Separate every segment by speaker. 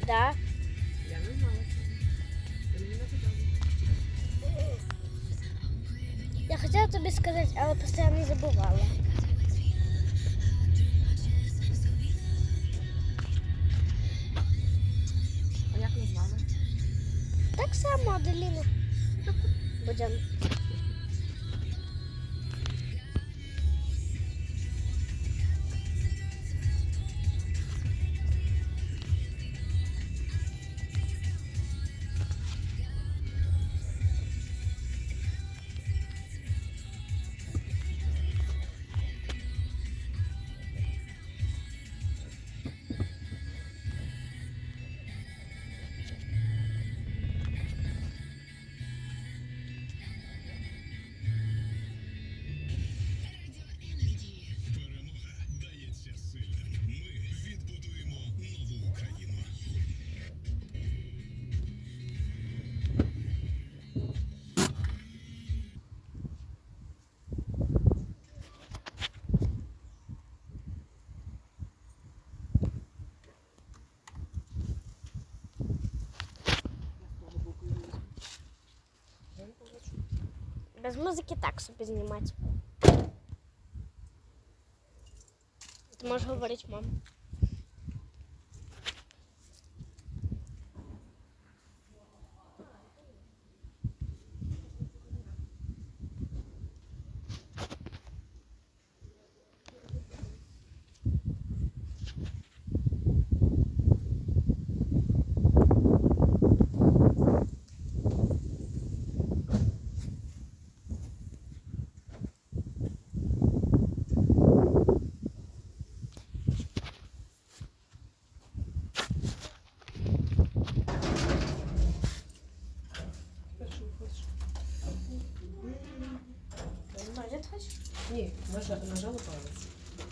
Speaker 1: Да.
Speaker 2: Я не знала цього. Ти мені не казала.
Speaker 1: Я хотіла тобі сказати, але постійно забувала.
Speaker 2: А як назвали?
Speaker 1: Так само, Аделіна. Будемо. Без музики так собі знімати. Ти можеш говорити, мам. Може, хочеш?
Speaker 2: Ні, нажала палець.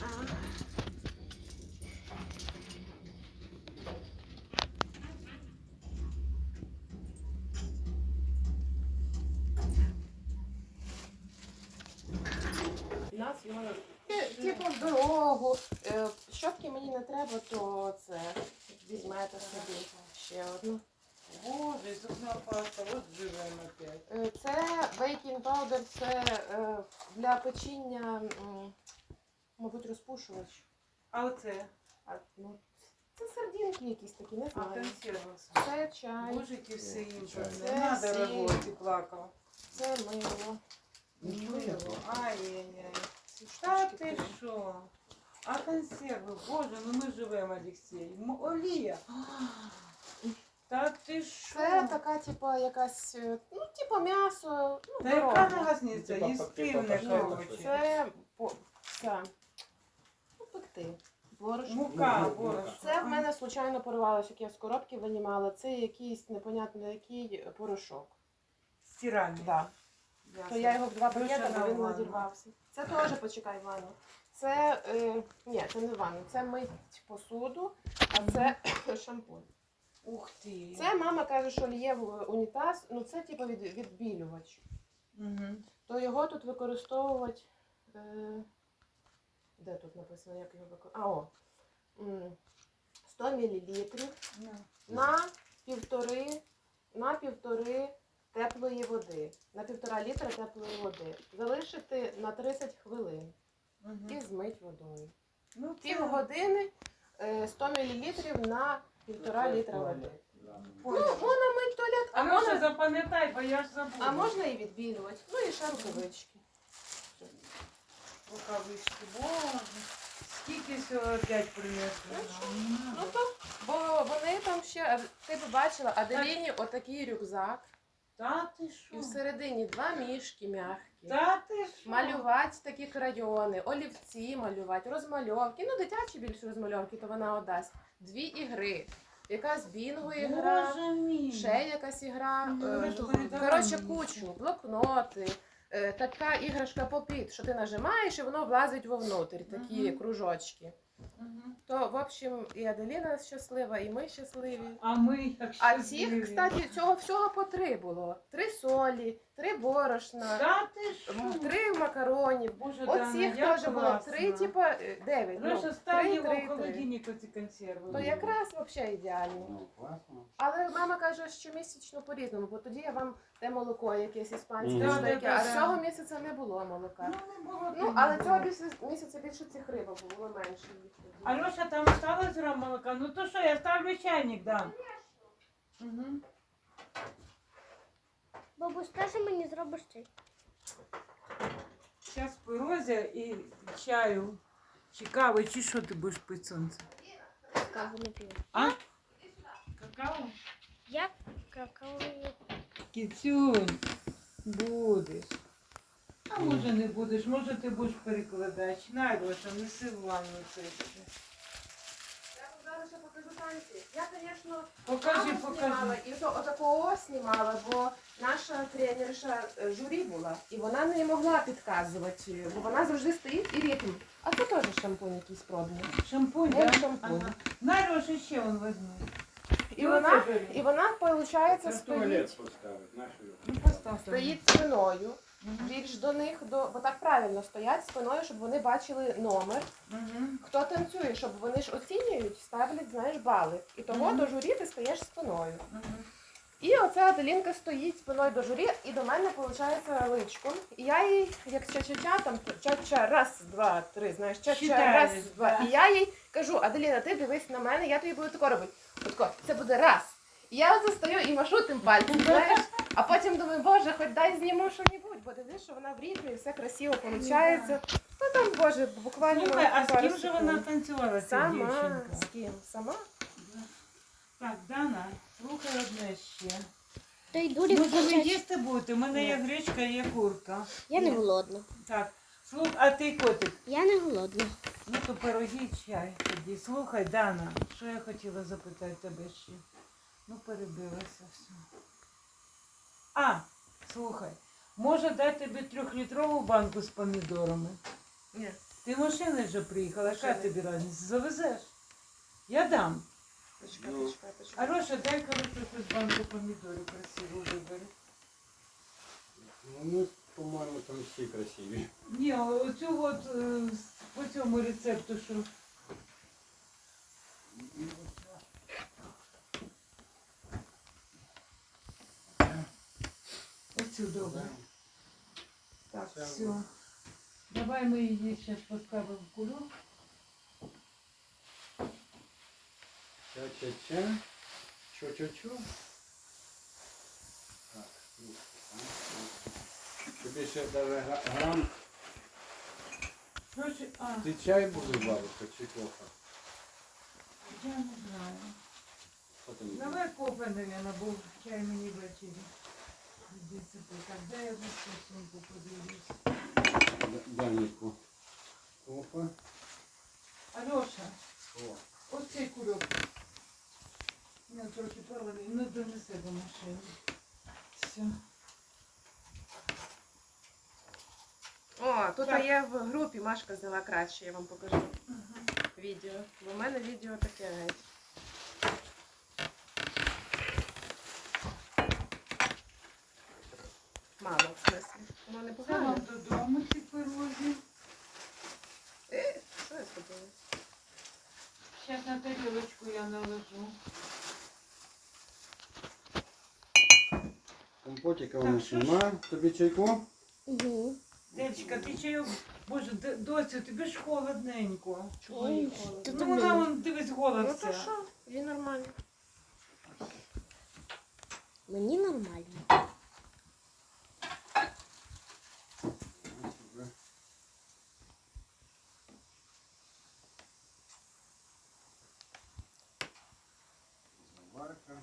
Speaker 2: Нас його типу в дорогу. Щотки мені не треба, то це візьмете собі ще одну.
Speaker 3: Боже, зубна паста, от живемо опять.
Speaker 2: Це бейкінг паудер, це для печіння, мабуть, розпушувач.
Speaker 3: А оце?
Speaker 2: Ну, це сардинки якісь такі, не
Speaker 3: А
Speaker 2: знаю.
Speaker 3: консерва.
Speaker 2: Це чай,
Speaker 3: Божики все імпортне.
Speaker 2: Це
Speaker 3: Надо
Speaker 2: всі.
Speaker 3: работать, плакала.
Speaker 2: це мило.
Speaker 3: Мило. Ай-яй-яй.
Speaker 2: Ці
Speaker 3: Та
Speaker 2: штучки
Speaker 3: ти
Speaker 2: три.
Speaker 3: що? А консерви, боже, ну ми живемо, Олексій. Олія. Та ти що?
Speaker 2: Це така, типа, якась, ну, типа м'ясо, ну,
Speaker 3: Та яка
Speaker 2: дорога.
Speaker 3: разниця?
Speaker 4: Типа
Speaker 3: Їстивне,
Speaker 4: пакета.
Speaker 3: короче.
Speaker 2: Це, ну, пекти. Борошно.
Speaker 3: Мука, борошно.
Speaker 2: Це в мене случайно порвалося, як я з коробки винімала. Це якийсь непонятно який порошок.
Speaker 3: Стиральний.
Speaker 2: Да.
Speaker 3: Ясно.
Speaker 2: То я його в два
Speaker 3: Дуже
Speaker 2: пакети, бо він
Speaker 3: нормально.
Speaker 2: надірвався. Це теж, почекай, ванну. Це, ні, це не ванну, це мить посуду, а це шампунь.
Speaker 3: Ух ти.
Speaker 2: Це мама каже, що лє в унітаз, ну це типу відбілювач.
Speaker 3: Угу.
Speaker 2: То його тут використовувати, де тут написано, як його використовувати? 100 мл на півтори теплої води, на 1,5 літра теплої води. Залишити на 30 хвилин і змить водою.
Speaker 3: Ну,
Speaker 2: Півгодини 100 мл на 1,5 літра води. Ну,
Speaker 3: Поняла.
Speaker 2: можна мити туалет,
Speaker 3: А може запам'ятай, бо я ж забула.
Speaker 2: а можна і відбілювати. Ну і ще рукавички.
Speaker 3: Рукавички, боже. Скільки всього опять принесли?
Speaker 2: Ну то, бо вони там ще, ти б бачила, Аделіні отакий рюкзак.
Speaker 3: Та ти що?
Speaker 2: І всередині 2 мішки м'які.
Speaker 3: Та ти що?
Speaker 2: Малювати такі крайони, олівці малювати, розмальовки. Ну, дитячі більше розмальовки, то вона отдасть. 2 ігри. Якась бінго ігра,
Speaker 3: Боже мій.
Speaker 2: ще якась ігра.
Speaker 3: Ну, ви ж передали
Speaker 2: Коротше,
Speaker 3: мені.
Speaker 2: кучу, блокноти. Така іграшка попіт, що ти нажимаєш і воно влазить вовнутрь, такі кружочки. То, в общем, і Аделіна щаслива, і ми щасливі.
Speaker 3: А ми як
Speaker 2: А
Speaker 3: щасливі.
Speaker 2: цих, кстати, цього всього по 3 було. 3 солі, 3 борошна,
Speaker 3: Та ти що?
Speaker 2: 3 макаронів.
Speaker 3: Боже, Дана,
Speaker 2: Оцих
Speaker 3: як
Speaker 2: теж було
Speaker 3: класно.
Speaker 2: 3, типа 9.
Speaker 3: Леша, став його в
Speaker 2: 3.
Speaker 3: холодильник оці консерви.
Speaker 2: То якраз взагалі ідеально.
Speaker 4: Ну, класно.
Speaker 2: Але мама каже, що місячно по-різному, бо тоді я вам те молоко якесь іспанське,
Speaker 4: Мгм.
Speaker 2: що таке,
Speaker 3: Да-да-да.
Speaker 2: а цього місяця не було молока.
Speaker 3: Ну, не було.
Speaker 2: Ну, але цього місяця більше цих рибок було менше їх тоді.
Speaker 3: Алеша, там осталось грам молока? Ну то що, я ставлю чайник, да. Угу.
Speaker 1: Бабусь, теж мені зробиш чай?
Speaker 3: Зараз пирозя і чаю. Чи кави, чи що ти будеш пити, сонце?
Speaker 1: Каву не п'ю.
Speaker 3: А? Какао?
Speaker 1: Я какао не п'ю.
Speaker 3: Кіцюнь, будеш. А може не будеш, може ти будеш перекладач. На, Леша, неси в ванну це ще.
Speaker 2: Я вам зараз ще покажу танці. Я, звісно,
Speaker 3: Покажи,
Speaker 2: маму знімала
Speaker 3: покажи.
Speaker 2: і то отакого знімала, бо наша тренерша журі була, і вона не могла підказувати, бо вона завжди стоїть і ритм. А це теж шампунь якийсь пробний.
Speaker 3: Шампунь,
Speaker 2: Вон
Speaker 3: да?
Speaker 2: шампунь.
Speaker 3: Ага. На, Леша, ще он возьми.
Speaker 2: І вона, виходить,
Speaker 4: Це
Speaker 2: стоїть,
Speaker 4: туалет поставить, нашою.
Speaker 3: Ну, постав.
Speaker 2: стоїть спиною,
Speaker 3: Мгм.
Speaker 2: більш до них, бо так правильно стоять спиною, щоб вони бачили номер.
Speaker 3: Мгм.
Speaker 2: Хто танцює, щоб вони ж оцінюють, ставлять, знаєш, бали. І того
Speaker 3: Мгм.
Speaker 2: до журі ти стаєш спиною.
Speaker 3: Мгм.
Speaker 2: І оця Аделінка стоїть спиною до журі, і до мене, виходить, личком. І я їй, як ча-ча-ча, там ча-ча, раз, два, три, знаєш, ча-ча,
Speaker 3: Читаєш,
Speaker 2: раз, два.
Speaker 3: да.
Speaker 2: І я їй кажу, Аделіна, ти дивись на мене, я тобі буду тако робити. Отако, це буде раз. І я оце стою і машу тим пальцем, знаєш. А потім думаю, боже, хоч дай зніму що-небудь, бо дивись, що вона в ритмі, все красиво виходить. Ну там, боже, буквально.
Speaker 3: Слухай, а з
Speaker 2: пару
Speaker 3: ким же вона
Speaker 2: секунд.
Speaker 3: танцювала, ця
Speaker 2: Сама.
Speaker 3: дівчинка?
Speaker 2: З ким? Сама?
Speaker 3: Так, Дана, слухай одне ще.
Speaker 1: Та й дурі
Speaker 3: Може ви
Speaker 1: включать.
Speaker 3: їсти будете? У мене є гречка, є курка.
Speaker 1: Я не голодна.
Speaker 3: Так, а ти котик?
Speaker 1: Я не голодна.
Speaker 3: Ну то пироги і чай тоді. Слухай, Дана, що я хотіла запитати тебе ще? Ну перебилася все. А, слухай, може дати тобі 3-літрову банку з помідорами?
Speaker 2: Ні.
Speaker 3: Ти машиною вже приїхала, яка
Speaker 2: Машиною.
Speaker 3: тобі разниця? Завезеш? Я дам.
Speaker 2: Почекай,
Speaker 4: Ну.
Speaker 2: почекай, почекай.
Speaker 3: Ароша, дай, короче, якусь банку помідорів красиву вибери.
Speaker 4: Ну, по-моєму, там всі красиві.
Speaker 3: Ні, оцю от по цьому рецепту, що. Оцю добре. Так,
Speaker 4: Це
Speaker 3: все. Давай ми її зараз поставимо в кульок.
Speaker 4: Ча-ча-ча. Чо-чо-чо. Так, ну, так. Тобі ще даже грам.
Speaker 3: Короче,
Speaker 4: Ти чай будеш, бабушка, чи кофе?
Speaker 3: я не знаю.
Speaker 4: Що ти не
Speaker 3: Давай кофе, наверное, бо чай мені ввечері. Десь так, дай я за сумку подивлюсь.
Speaker 4: Даніку. Кофе.
Speaker 3: Альоша,
Speaker 4: О.
Speaker 3: ось цей кульок. Я трохи провели, ну донеси до машини. Все.
Speaker 2: О, тут
Speaker 3: Так.
Speaker 2: є в групі, Машка взяла краще, я вам покажу відео. Бо в мене відео таке геть. Мало, в смислі. Воно не
Speaker 3: Це
Speaker 2: погано.
Speaker 3: вам додому ці пирозі.
Speaker 2: Що я зробила?
Speaker 3: Зараз на тарілочку я наложу.
Speaker 4: Компотика у
Speaker 3: Так,
Speaker 4: нас
Speaker 3: що ж?
Speaker 4: нема. Тобі чайку?
Speaker 1: Угу.
Speaker 3: Дечка, ти чайок. Боже, доцю, тобі ж холодненько.
Speaker 2: Чого їй холодно?
Speaker 3: Ну вона вон дивись гола
Speaker 2: Ну то
Speaker 3: вся.
Speaker 2: що, їй нормально.
Speaker 1: Мені нормально.
Speaker 4: Заварка.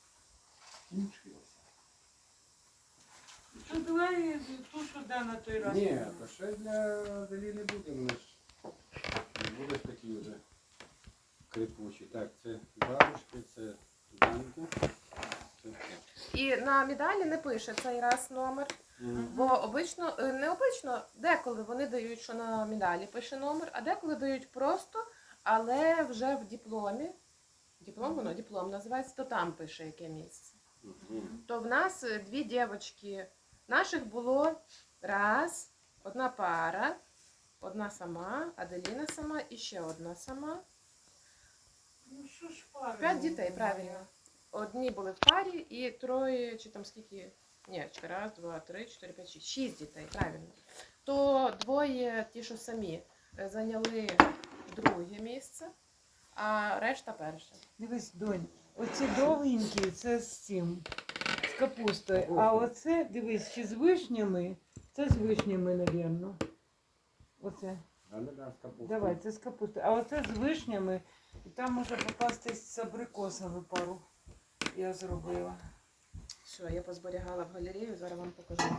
Speaker 3: Що давай ту, що да на той раз.
Speaker 4: Ні, то ще для Далі не буде. Ми ж не будеш такі вже крипучі. Так, це бабушки, це Данька. Це все.
Speaker 2: І на медалі не пише цей раз номер. Бо обично, не обично, деколи вони дають, що на медалі пише номер, а деколи дають просто Але вже в дипломі, диплом називається, то там пише, яке місце. То в нас дві дівчатки. Наших було одна пара, одна сама, Аделіна сама і ще одна сама.
Speaker 3: Ну що ж пара?
Speaker 2: 5 дітей, правильно. Одні були в парі і троє, чи там скільки, ні, раз, два, три, 4, 5, 6, 6 дітей, правильно. То двоє, ті, що самі, зайняли друге місце, а решта перше.
Speaker 3: Дивись, донь, оці довгенькі, це з цим, з капустою. А оце, дивись, ще з вишнями, це з вишнями, напевно. Оце. Давай, це з капустою. А оце з вишнями, і там може попастись з абрикосами пару. Я зробила.
Speaker 2: Що, я позберігала в галерею, зараз вам покажу.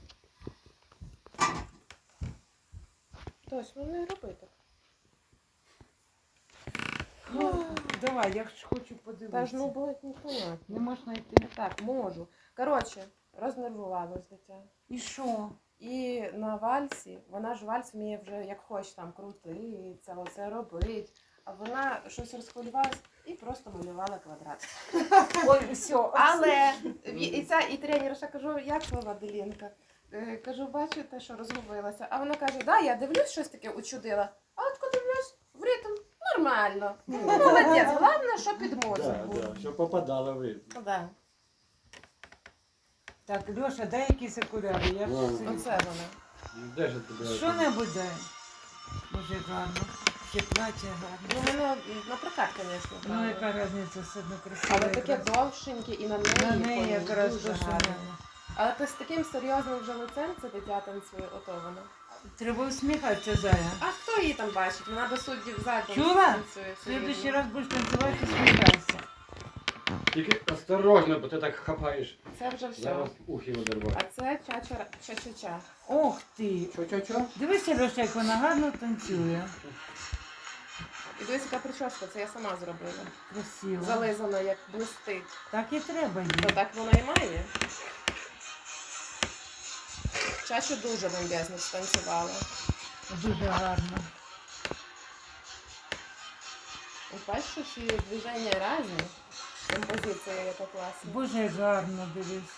Speaker 2: Точно, не роби так.
Speaker 3: Давай, я ж хочу
Speaker 2: Та ж,
Speaker 3: подивитися.
Speaker 2: ну, буде непонятно.
Speaker 3: Не можна йти.
Speaker 2: Так, можу. Коротше, рознервувалась дитя.
Speaker 3: І що?
Speaker 2: І на вальсі, вона ж вальс вміє вже як хоче там крутиться, оце робить. А вона щось розхвилювалась і просто малювала квадрат.
Speaker 3: Ой, все.
Speaker 2: Але і тренерша, кажу, як ви, Аделінка? Кажу, бачите, що розгубилася. А вона каже, да, я дивлюсь, щось таке учудила. А от коли дивлюсь, в ритм нормально. Ну, молодець, головне, що під мозок був.
Speaker 4: Що попадало ви.
Speaker 2: Ну, да.
Speaker 3: Так, Льоша, дай якісь окуляри. Я ж
Speaker 4: Ладно.
Speaker 3: всі-
Speaker 2: Оце вона.
Speaker 4: Де ж тебе?
Speaker 3: Що-небудь дай. Дуже гарно. Ще плаття гарне.
Speaker 2: Ну, воно на прокат, звісно.
Speaker 3: Ну,
Speaker 2: правда.
Speaker 3: яка різниця, все одно красиво.
Speaker 2: Але таке
Speaker 3: якраз.
Speaker 2: довшеньке і на неї,
Speaker 3: На неї якраз
Speaker 2: дуже
Speaker 3: дуже
Speaker 2: гарно.
Speaker 3: гарно.
Speaker 2: Але ти з таким серйозним вже лицем це дитя танцює, ото воно.
Speaker 3: Треба усміхатися, Зая.
Speaker 2: А хто її там бачить? Вона до суддів задом
Speaker 3: Чула?
Speaker 2: танцює.
Speaker 3: В следующий раз будеш танцювати, усміхайся.
Speaker 4: Тільки осторожно, бо ти так хапаєш.
Speaker 2: Це вже все.
Speaker 4: Зараз ухи видерваю.
Speaker 2: А це ча-ча-ча.
Speaker 3: Ох ти.
Speaker 4: Що?
Speaker 3: Дивися, Льоша, як вона гарно танцює.
Speaker 2: І дивись, яка прическа, це я сама зробила.
Speaker 3: Красиво.
Speaker 2: Зализана, як блистить.
Speaker 3: Так і треба їй.
Speaker 2: То так вона і має. Чачу дуже бомбезно станцювала.
Speaker 3: Дуже гарно.
Speaker 2: От бачиш, що всі движення різні. Композиція яка класна.
Speaker 3: Боже, як гарно, дивись.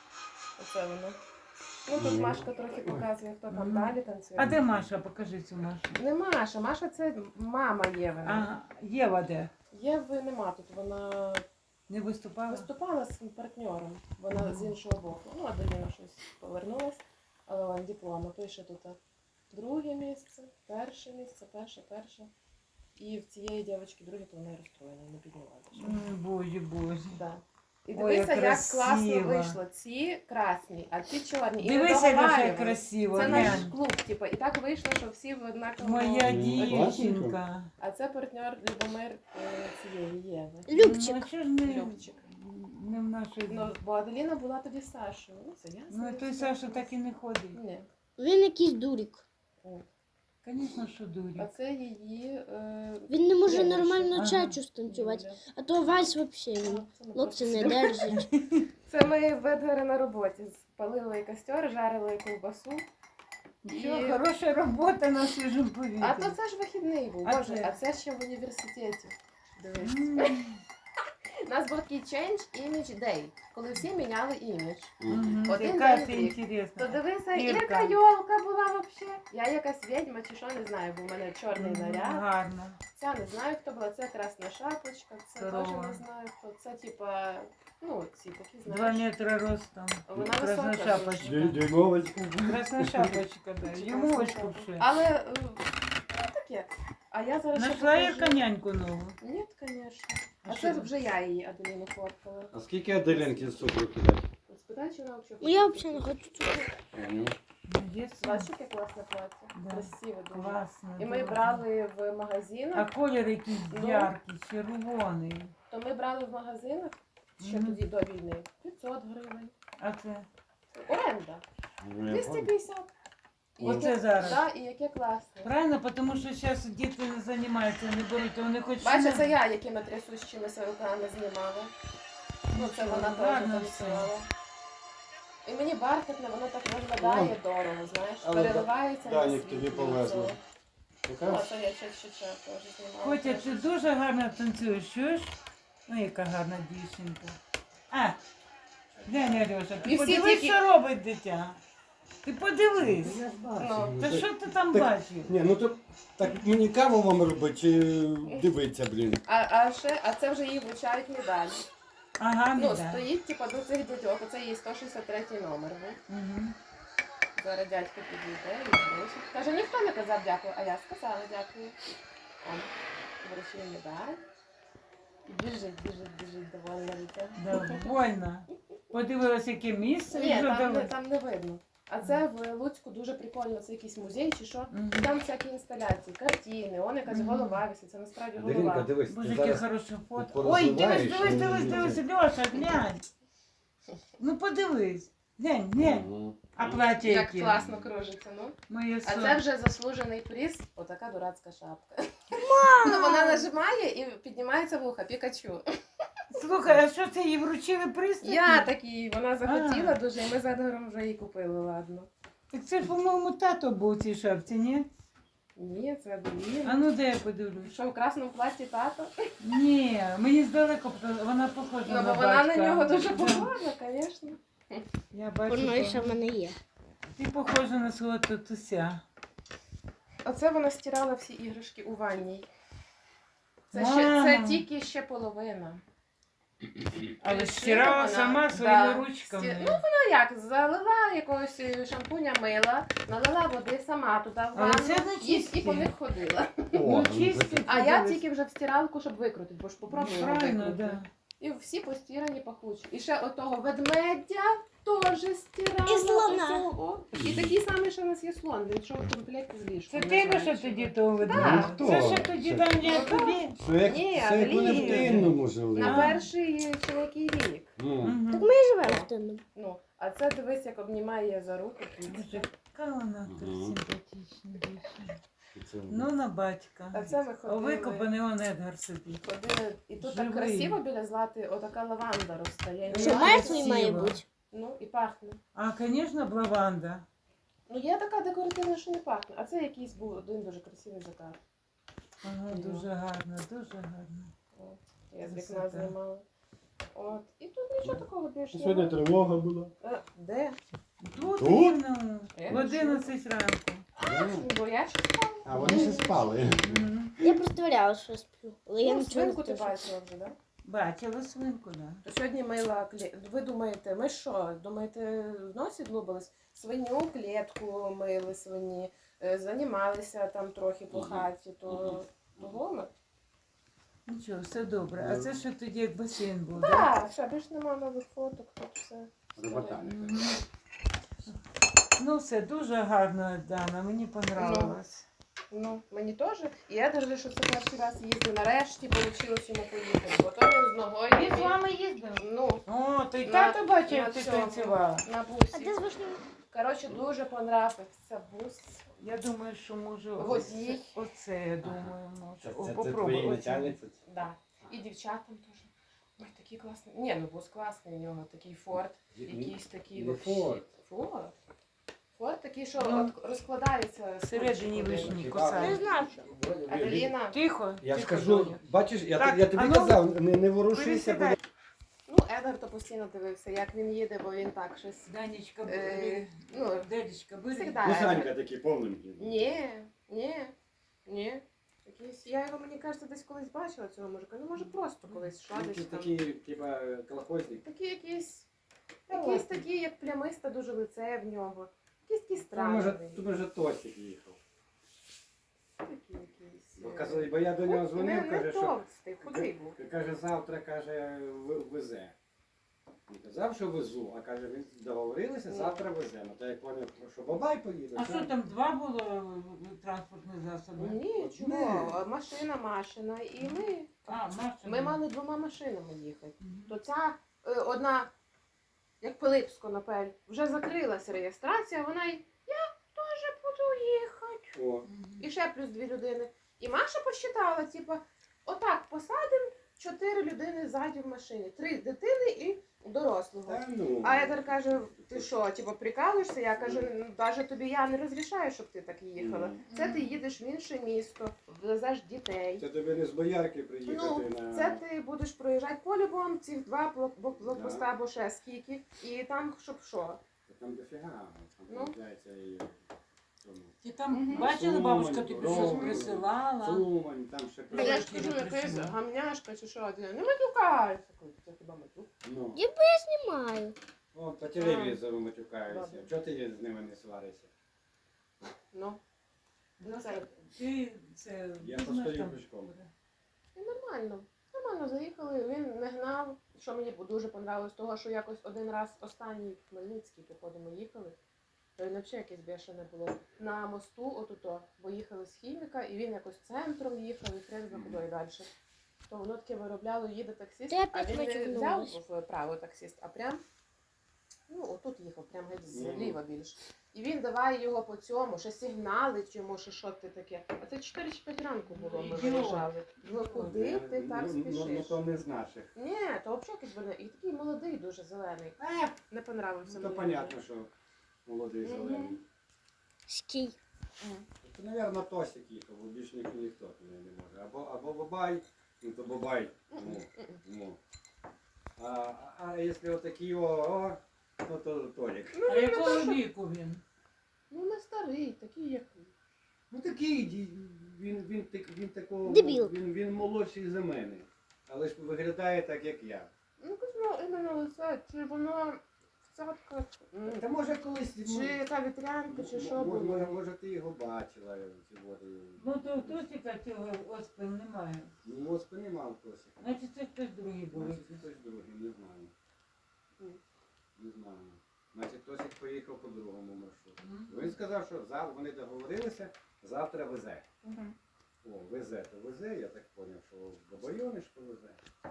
Speaker 2: Оце воно. Ну тут Машка трохи показує, хто там
Speaker 3: Мгм.
Speaker 2: далі танцює.
Speaker 3: А де Маша? Покажи цю Машу.
Speaker 2: Не Маша, Маша це мама Євина.
Speaker 3: А, Єва де?
Speaker 2: Єви нема тут, вона
Speaker 3: Не виступала?
Speaker 2: виступала з партнером, вона
Speaker 3: Ага.
Speaker 2: з іншого боку. Ну, Аделіна щось повернулась, але вон диплома, пише тут друге місце, перше місце, перше. І в цієї дівчинки друге, то вона розстроєна, не піднімала.
Speaker 3: Боже, Боже.
Speaker 2: Да. І
Speaker 3: Ой,
Speaker 2: дивися,
Speaker 3: як
Speaker 2: як класно
Speaker 3: красиво.
Speaker 2: вийшло. Ці красні, а ці чорні. І не
Speaker 3: Дивися, Льоша, як
Speaker 2: договарювали.
Speaker 3: красиво.
Speaker 2: Це наш
Speaker 3: глянь.
Speaker 2: клуб, типу, і так вийшло, що всі в однаковому.
Speaker 3: Моя
Speaker 4: Ну,
Speaker 3: дівчинка.
Speaker 2: А це партнер Любомир цієї Єви.
Speaker 1: Любчик.
Speaker 3: Ну, а чого ж не,
Speaker 2: Любчик.
Speaker 3: не в нашій...
Speaker 2: Ну, бо Аделіна була тоді з Сашою. Ну, це я.
Speaker 3: Ну, той Саша так і не ходить.
Speaker 2: Ні.
Speaker 1: Він якийсь дурик.
Speaker 2: От.
Speaker 3: Звісно, що
Speaker 2: А
Speaker 3: дурі.
Speaker 2: це її.
Speaker 1: Він не може
Speaker 2: Тренерша.
Speaker 1: нормально
Speaker 3: Ага.
Speaker 1: чачу станцювати.
Speaker 2: Юля.
Speaker 1: А то вальс взагалі він.
Speaker 2: Це ми
Speaker 1: Локці не
Speaker 2: просто-
Speaker 1: держить.
Speaker 2: Це ми в Едгара на роботі. Спалили костер, жарили ковбасу.
Speaker 3: Нічого,
Speaker 2: І-
Speaker 3: хороша робота на свіжому повітрі.
Speaker 2: А то це ж вихідний був.
Speaker 3: А
Speaker 2: Боже,
Speaker 3: це?
Speaker 2: а це ще в університеті. Дивись.
Speaker 3: М.
Speaker 2: У нас був такий Change Image Day, коли всі міняли імідж.
Speaker 3: Мгм.
Speaker 2: Один
Speaker 3: Яка
Speaker 2: день
Speaker 3: ти
Speaker 2: в рік. То
Speaker 3: інтересна.
Speaker 2: дивися,
Speaker 3: Ірка.
Speaker 2: яка йолка була взагалі. Я якась відьма чи що, не знаю, бо в мене чорний
Speaker 3: Мгм,
Speaker 2: наряд.
Speaker 3: Гарно.
Speaker 2: Ця не знаю, хто була, це красна шапочка, це теж
Speaker 3: Здорово.
Speaker 2: не знаю хто. Це типа, ну, ці такі,
Speaker 3: 2
Speaker 2: знаєш.
Speaker 3: метри ростом.
Speaker 2: Вона
Speaker 3: Красна
Speaker 2: висока
Speaker 3: шапочка.
Speaker 4: Дюймовочку.
Speaker 3: Красна шапочка, да.
Speaker 2: Чи
Speaker 3: Йому
Speaker 2: красна
Speaker 3: очку
Speaker 2: шапочка.
Speaker 3: вши.
Speaker 2: Але, ну, таке. А я зараз ще
Speaker 3: Нашла
Speaker 2: покажу.
Speaker 3: Ірка няньку нову.
Speaker 2: Ні, звісно.
Speaker 3: А
Speaker 2: А
Speaker 3: що
Speaker 2: це
Speaker 3: ви?
Speaker 2: вже я її Аделіну фоткала.
Speaker 4: А скільки Аделінки з цукру кидати?
Speaker 2: Спитай, чи вона взагалі.
Speaker 1: Ну я взагалі не хочу цукру.
Speaker 3: Молодець.
Speaker 2: Бачиш, яке класне плаття?
Speaker 3: Да.
Speaker 2: Красиве дуже.
Speaker 3: Класно.
Speaker 2: І ми
Speaker 3: дуже.
Speaker 2: брали в
Speaker 3: А
Speaker 2: магазинах,
Speaker 3: колір якийсь
Speaker 2: Ну.
Speaker 3: яркий, червоний.
Speaker 2: то ми брали в магазинах ще
Speaker 3: Мгм.
Speaker 2: тоді до війни 500 гривень.
Speaker 3: А це?
Speaker 2: Оренда 250. І
Speaker 3: Оце
Speaker 2: яке-
Speaker 3: зараз.
Speaker 2: Да, і яке класне.
Speaker 3: Правильно, тому що зараз діти не займаються, не беруть, то вони хочуть...
Speaker 2: Бачиш, це я, якими трясущимися руками знімала. Ну, це вона теж
Speaker 3: гарно
Speaker 2: танцювала. І мені бархатне, воно так виглядає дорого, знаєш.
Speaker 4: Але
Speaker 2: Переливається на
Speaker 4: Данік
Speaker 2: світ.
Speaker 4: тобі повезло. Покажеш?
Speaker 2: Це я ще теж знімала.
Speaker 3: Котя, ти дуже гарно танцюєш, чуєш? Ну, яка гарна дівчинка. А, глянь, Альоша,
Speaker 2: І
Speaker 3: ти
Speaker 2: всі
Speaker 3: подивись,
Speaker 2: тільки-
Speaker 3: що робить дитя. Ти подивись.
Speaker 4: Я ж бачу.
Speaker 2: Ну.
Speaker 3: Та що ти там
Speaker 4: Так,
Speaker 3: бачив?
Speaker 4: Ні, ну то так мені каву вам робити чи дивитися, блін.
Speaker 2: А це вже її вручають медаль.
Speaker 3: Ага,
Speaker 2: Ну,
Speaker 3: да.
Speaker 2: стоїть, типа, до цих дядьок, оце її 163 номер. Ну.
Speaker 3: Угу.
Speaker 2: Зараз дядько підійде і вручить. Каже, ніхто не казав дякую, а я сказала дякую. Он вручив медаль. І біжить довольна дитя.
Speaker 3: Довольно. Подивилась, яке місце, і
Speaker 2: Ні,
Speaker 3: вже
Speaker 2: там
Speaker 3: давай.
Speaker 2: не видно. А це в Луцьку дуже прикольно, це якийсь музей чи що.
Speaker 3: Мгм.
Speaker 2: І там всякі інсталяції, картини, он якась
Speaker 3: Мгм.
Speaker 2: голова висить, це насправді
Speaker 4: Даринка,
Speaker 2: голова.
Speaker 4: дивись,
Speaker 3: Боже,
Speaker 4: ти
Speaker 3: яке
Speaker 4: зараз
Speaker 3: хороше фото.
Speaker 4: порозвиваєш,
Speaker 3: Ой, дивись,
Speaker 4: і-
Speaker 3: Льоша, глянь. Ну подивись. Глянь.
Speaker 4: Мгм.
Speaker 3: А плаття
Speaker 2: Як
Speaker 3: яке?
Speaker 2: класно кружиться, ну.
Speaker 3: Моє
Speaker 2: А
Speaker 3: сон.
Speaker 2: це вже заслужений приз, отака дурацька шапка. Ну, вона нажимає і піднімається вуха, Пікачу.
Speaker 3: Слухай, а що це їй вручили приз?
Speaker 2: Я такий, вона захотіла дуже, і ми з Едгаром вже її купили, ладно.
Speaker 3: Так це ж, по-моєму, тато був у цій шапці, ні?
Speaker 2: Ні, це Аделіна.
Speaker 3: А ну де я подивлюсь?
Speaker 2: Що в красному платі тато?
Speaker 3: Ні, мені здалеку вона похожа
Speaker 2: Ну,
Speaker 3: на
Speaker 2: бо
Speaker 3: батька.
Speaker 2: вона на нього дуже
Speaker 3: Да.
Speaker 2: похожа, звісно.
Speaker 3: Я бачу,
Speaker 1: Воно і
Speaker 3: що
Speaker 1: ще в мене є.
Speaker 3: ти похожа на свого татуся.
Speaker 2: Оце вона стирала всі іграшки у ванній. Це
Speaker 3: Мама.
Speaker 2: тільки ще половина.
Speaker 3: Але
Speaker 2: Шила
Speaker 3: стирала
Speaker 2: вона,
Speaker 3: сама
Speaker 2: да.
Speaker 3: своїми ручками.
Speaker 2: Ну, Ну як, залила якогось шампуня мила, налила води сама туди в
Speaker 3: Але
Speaker 2: ванну
Speaker 3: це не
Speaker 2: і
Speaker 3: чисті.
Speaker 2: по них ходила.
Speaker 4: О,
Speaker 3: Ну,
Speaker 4: ну,
Speaker 3: чисті.
Speaker 2: А я тільки вже в стиралку, щоб викрутити, бо ж попробую його
Speaker 3: Правильно,
Speaker 2: викрутити.
Speaker 3: да.
Speaker 2: І всі постірані пахучі. І ще отого ведмедя теж стирала.
Speaker 1: І слона.
Speaker 2: Оцього. І такий самий, що у нас є слон, він йшов в комплекті з ліжком.
Speaker 3: Це
Speaker 2: не
Speaker 3: ти
Speaker 2: знаю,
Speaker 3: що
Speaker 2: чого.
Speaker 3: тоді того
Speaker 2: Так.
Speaker 3: видала?
Speaker 4: Ну,
Speaker 3: Це
Speaker 4: хто?
Speaker 3: ще тоді
Speaker 4: Це-
Speaker 3: давні
Speaker 2: Ну,
Speaker 3: тобі.
Speaker 4: Це як,
Speaker 2: Ні,
Speaker 4: це як вони в
Speaker 2: Аделіна.
Speaker 4: Тинному жили.
Speaker 2: На
Speaker 3: А.
Speaker 2: перший чоловікий вік.
Speaker 4: Ну,
Speaker 3: Мгм.
Speaker 1: Так ми і живемо в тину.
Speaker 2: Ну, а це дивись, як обнімає я за руку.
Speaker 3: Боже, яка вона
Speaker 4: Мгм.
Speaker 3: симпатична дівчина.
Speaker 4: і це-
Speaker 3: Ну, на батька.
Speaker 2: А це ми
Speaker 3: А
Speaker 2: ходили.
Speaker 3: викопаний он Едгар собі.
Speaker 2: Ходили, і тут
Speaker 3: Живий.
Speaker 2: так красиво біля злати, отака лаванда росте. Я
Speaker 3: Що,
Speaker 1: Що
Speaker 2: її-
Speaker 1: мертвий
Speaker 3: красиво.
Speaker 1: має бути.
Speaker 2: Ну, і пахне.
Speaker 3: А, звісно, лаванда.
Speaker 2: Ну, є така декоративна, що не пахне. А це якийсь був один дуже красивий закат.
Speaker 3: Ага,
Speaker 2: Ну.
Speaker 3: дуже гарно, дуже гарно.
Speaker 2: От. Я з
Speaker 3: Красота.
Speaker 2: вікна знімала. От. І тут нічого такого більше
Speaker 4: Сьогодні
Speaker 2: немає.
Speaker 4: тривога була.
Speaker 2: Де?
Speaker 3: Тут
Speaker 4: Тут?
Speaker 3: рівно,
Speaker 2: Я
Speaker 3: в
Speaker 2: не
Speaker 3: 11 ранку.
Speaker 2: Бо я ще спала.
Speaker 4: А вони ще спали.
Speaker 3: Мгм.
Speaker 1: Я просто валяла, що сплю. Але я
Speaker 2: Ну,
Speaker 1: нічого не
Speaker 2: свинку ти
Speaker 1: слышу.
Speaker 2: бачила вже, так?
Speaker 3: Бачила свинку, да.
Speaker 2: То сьогодні мила Ви думаєте, ми що? Думаєте, в носі длубались? Свиню, клітку мили свині, займалися там трохи по
Speaker 4: Мгм.
Speaker 2: хаті, то ми.
Speaker 3: Нічого, все добре. А це що тоді як басейн був, так?
Speaker 2: Так, що більш нема нових фоток, тут все.
Speaker 4: Робота.
Speaker 3: Мгм. Ну, все дуже гарно, Дана, мені понравилось.
Speaker 2: Ну, мені теж. І я держу, що це перший раз їздив. Нарешті вийшло йому поїхати. Бо то він з ногою.
Speaker 3: Він з вами їздив?
Speaker 2: Ну,
Speaker 3: О, то й
Speaker 2: На-
Speaker 3: тато бачив,
Speaker 2: на
Speaker 3: як ти
Speaker 2: цьому.
Speaker 3: танцювала.
Speaker 2: на
Speaker 1: А
Speaker 2: бусі.
Speaker 1: де з вишнею?
Speaker 2: Коротше, дуже понравився бус.
Speaker 3: Я думаю, що може
Speaker 2: Водій.
Speaker 3: оце, я думаю, може.
Speaker 4: Це,
Speaker 3: О,
Speaker 4: це, це
Speaker 3: попробуй
Speaker 4: твої
Speaker 3: оце.
Speaker 4: начальниці?
Speaker 2: Да. І дівчатам теж. Ой, такий класний. Ні, ну бус класний у нього, такий Форд. Якийсь такий
Speaker 4: Не
Speaker 2: вообще.
Speaker 4: Форд.
Speaker 2: Форд? Форд такий, що
Speaker 3: Ну,
Speaker 2: от розкладається.
Speaker 3: всередині
Speaker 2: скотчем.
Speaker 3: вишні
Speaker 1: Не
Speaker 3: кусають.
Speaker 1: знаю, що.
Speaker 2: Аделіна.
Speaker 3: Тихо.
Speaker 4: Я ж
Speaker 3: тихо,
Speaker 4: кажу,
Speaker 3: Доня.
Speaker 4: бачиш, я,
Speaker 3: Так,
Speaker 4: я тобі
Speaker 3: а ну,
Speaker 4: казав, не ворушися, бо
Speaker 3: Пересідай.
Speaker 2: Ну, Едгар то постійно дивився, як він їде, бо він так щось.
Speaker 3: Данечка,
Speaker 2: Ну,
Speaker 3: Дедечка, бери.
Speaker 2: всегда.
Speaker 4: ну, Санька такий повненький.
Speaker 2: Ні. Якийсь, я його, мені кажеться, десь колись бачила цього мужика. Ну, може, просто колись йшла десь там.
Speaker 4: Такий, типа, колхозник.
Speaker 2: Такий якийсь такий, як плямиста, дуже лице в нього. Якийсь такий
Speaker 4: Може,
Speaker 2: странний.
Speaker 4: тут вже Тосик їхав.
Speaker 2: Такий якийсь.
Speaker 4: Бо я до нього дзвонив,
Speaker 2: не
Speaker 4: каже, що
Speaker 2: товстий, худий був.
Speaker 4: каже, завтра каже, везе. Не казав, що везу, а каже, ви договорилися, завтра веземо. Та як поняв, що бабай поїде.
Speaker 3: А що там два було транспортні засоби?
Speaker 2: Ні, чого? Машина, і ми.
Speaker 3: А, Маша.
Speaker 2: Ми мали 2 машинами їхати. То ця одна, як Пилипсько напель, вже закрилася реєстрація, вона й я теж буду їхати.
Speaker 4: О,
Speaker 2: І ще плюс 2 людини. І Маша посчитала, типу, отак посадимо 4 людини ззаді в машині. 3 дитини і дорослого.
Speaker 4: Та ну.
Speaker 2: А Едер каже, ти що, типу, прикалуєшся? Я кажу, ну, навіть тобі я не розрішаю, щоб ти так їхала. Це ти їдеш в інше місто, везеш дітей.
Speaker 4: Це тобі не з боярки приїхати
Speaker 2: Ну,
Speaker 4: на...
Speaker 2: це ти будеш проїжджати по-любому ці 2 блокпоста або ще скільки. І там, щоб що?
Speaker 4: Там дофіга, там
Speaker 2: Ну.
Speaker 4: виходить і... цьому.
Speaker 3: Ти там
Speaker 2: Мгм.
Speaker 3: бачила, бабушка тобі
Speaker 4: Сумань,
Speaker 3: щось
Speaker 4: Ровно,
Speaker 3: присилала?
Speaker 4: Сумань, там ще...
Speaker 2: Та я ж
Speaker 3: Прилетіли,
Speaker 2: кажу, якась
Speaker 3: присилала.
Speaker 2: гамняшка чи що. Не матюкайся. Це хіба матюк?
Speaker 4: Ну,
Speaker 1: Знімаю.
Speaker 4: о, по телевізору матюкаються.
Speaker 2: Ладно.
Speaker 4: Чого ти з ними не сваришся?
Speaker 2: Ну. Ну, це
Speaker 3: Ти це
Speaker 4: Я
Speaker 3: візьмеш
Speaker 4: постою
Speaker 3: там?
Speaker 4: пішком.
Speaker 2: і нормально. Нормально заїхали, він не гнав. Що мені дуже понравилось, того, що якось один раз останній в Хмельницький, походу, ми їхали. То він взагалі якесь бешене було. На мосту отуто, бо їхали з Хіміка, і він якось центром їхав, і хрен за кудою далі. То воно таке виробляло, їде таксист,
Speaker 1: Ти
Speaker 2: а
Speaker 1: опять
Speaker 2: він не
Speaker 1: матюкнулась.
Speaker 2: взяв вправо таксист, а прям, ну, отут їхав, прям геть
Speaker 4: Ну.
Speaker 2: зліва більше. І він давай його по цьому, ще сигналить йому, що ти таке. А це 4 чи 5 ранку було, ми
Speaker 3: Ідіот.
Speaker 2: виїжджали. Ну куди ти так
Speaker 4: Ну,
Speaker 2: спішиш?
Speaker 4: то не з наших.
Speaker 2: Ні, то взагалі якийсь больний. І такий молодий, дуже зелений. Не понравився
Speaker 4: Ну, то
Speaker 2: мені.
Speaker 4: понятно, що молодий
Speaker 2: Мгм.
Speaker 4: зелений.
Speaker 1: Скій.
Speaker 4: Це, мабуть, Тосик їхав, бо більше ніхто туди не може. Або Бабай, ну то Бабай. Ну. А якщо отакі ну то Толік.
Speaker 3: А якого віку він?
Speaker 2: Ну не старий, такий як.
Speaker 4: Ну такий, він такого,
Speaker 1: Дебіл.
Speaker 4: він молодший за мене. Але ж виглядає так, як я.
Speaker 2: Ну кажу, іменно лице, чи воно в цятках,
Speaker 4: Та може колись...
Speaker 2: чи яка вітрянка, чи що було.
Speaker 4: Може ти його бачила сьогодні.
Speaker 3: Ну то в Тосіка цього оспин немає.
Speaker 4: Ну, оспи нема в Тосика.
Speaker 3: Значить це хтось другий був.
Speaker 4: Значить, хтось другий, не знаю. Не знаю. Значить, Тосик поїхав по другому маршруту. Він сказав, що вони договорилися, завтра везе. О, везе, то везе, я так зрозумів, що в Бабайонишко везе.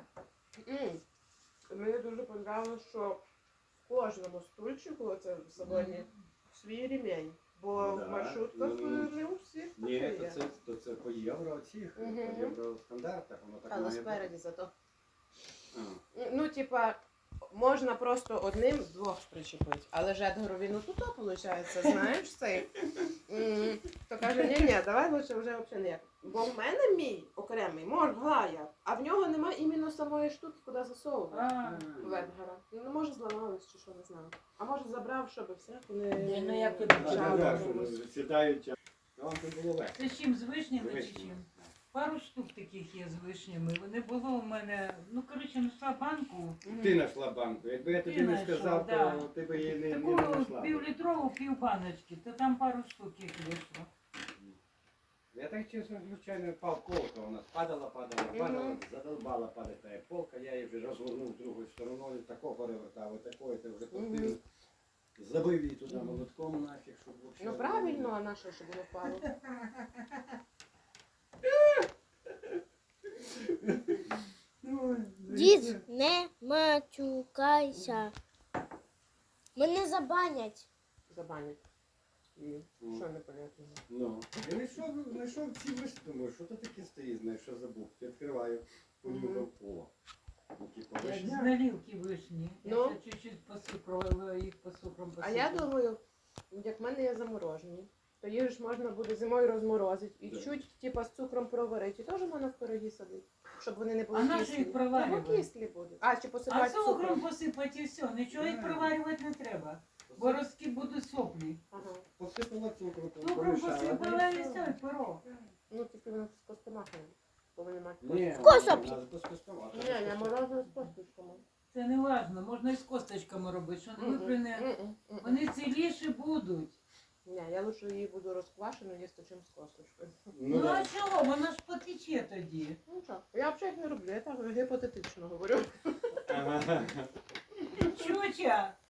Speaker 2: Мені дуже подобалося, що в кожному стульчику оце в салоні свій ремінь. Бо
Speaker 4: Ну,
Speaker 2: в
Speaker 4: да.
Speaker 2: маршрутках
Speaker 4: Ну,
Speaker 2: не у всіх
Speaker 4: Ні,
Speaker 2: таке є.
Speaker 4: то це по євро цих,
Speaker 2: Мгм.
Speaker 4: по євростандартах, воно так
Speaker 2: Але
Speaker 4: має бути.
Speaker 2: спереді зато.
Speaker 4: А.
Speaker 2: Ну, типа, можна просто одним двох причепити, але ж Едгару він отут, виходить, знаєш цей. То каже, ні, давай лучше вже взагалі ніяк. Бо в мене мій окремий могла я, а в нього нема іменно самої штуки, куди засовувати.
Speaker 3: А,
Speaker 2: В Едгара. Ну, може, зламалось чи що, не знаю. А може забрав, щоб всяку не...
Speaker 3: Ні, ну, як ти
Speaker 4: Так,
Speaker 3: почав.
Speaker 4: так, що сідають. А вам тут було легко.
Speaker 3: це з чим, з вишнями чи
Speaker 4: Вишні.
Speaker 3: чим? Пару штук таких є з вишнями. Вони було у мене, ну коротше, знайшла банку.
Speaker 4: Ти знайшла банку. Якби я тобі
Speaker 3: Ти
Speaker 4: не
Speaker 3: знайшов,
Speaker 4: сказав,
Speaker 3: да.
Speaker 4: то ти б її не
Speaker 3: Таку
Speaker 4: знайшла.
Speaker 3: півлітрову півбаночки, то там пару штук їх вийшло.
Speaker 4: Я так чесно, звичайно, впав колка, вона падала, задолбала падати та полка, я її вже розгорнув другою стороною, тако перевертав, і такою, ти вже купив. Забив її туди молотком нафіг, щоб взагалі...
Speaker 2: Ну правильно, а на що, щоб не впало?
Speaker 1: Дід, не матюкайся. Мене забанять.
Speaker 2: Забанять. І що непонятно?
Speaker 4: Ну, я знайшов ці вишні, думаю, що то таке стоїть, знаєш, що забув. Я відкриваю, понюхав, о. Ну, типу,
Speaker 3: Як з
Speaker 4: вишня.
Speaker 3: налівки вишні.
Speaker 2: Ну.
Speaker 3: Я ще чуть-чуть посипала їх по цукром.
Speaker 2: А я думаю, як в мене є заморожені, то їх ж можна буде зимою розморозити і
Speaker 4: Да.
Speaker 2: чуть типа з цукром проварити. І теж можна в пироги садити, щоб вони не були
Speaker 3: А на що
Speaker 2: кислі.
Speaker 3: їх проварювати?
Speaker 2: Бо кислі будуть. А, чи
Speaker 3: А
Speaker 2: посипати
Speaker 3: цукром
Speaker 2: цукром.
Speaker 3: посипати і все. Нічого їх проварювати не треба. Бо розки будуть соплі.
Speaker 2: Ага.
Speaker 4: Посипала цукру,
Speaker 3: Цукром
Speaker 4: помішала.
Speaker 3: посипала і все, і пиро.
Speaker 2: Ну, тільки воно з костомахами. Повинні мати
Speaker 4: Ні,
Speaker 1: Косоплі.
Speaker 4: вона без костомахи.
Speaker 2: Ні, я морозила з косточками.
Speaker 3: Це не важно, можна і з косточками робити, що не виприне. Вони ціліші будуть.
Speaker 2: Ні, я лише її буду розквашену їсти, чим з косточкою.
Speaker 3: Ну
Speaker 4: да.
Speaker 3: а чого? Вона ж потече тоді.
Speaker 2: Ну що, я взагалі їх не роблю, я так гіпотетично говорю.
Speaker 4: Ага.
Speaker 3: Чуча,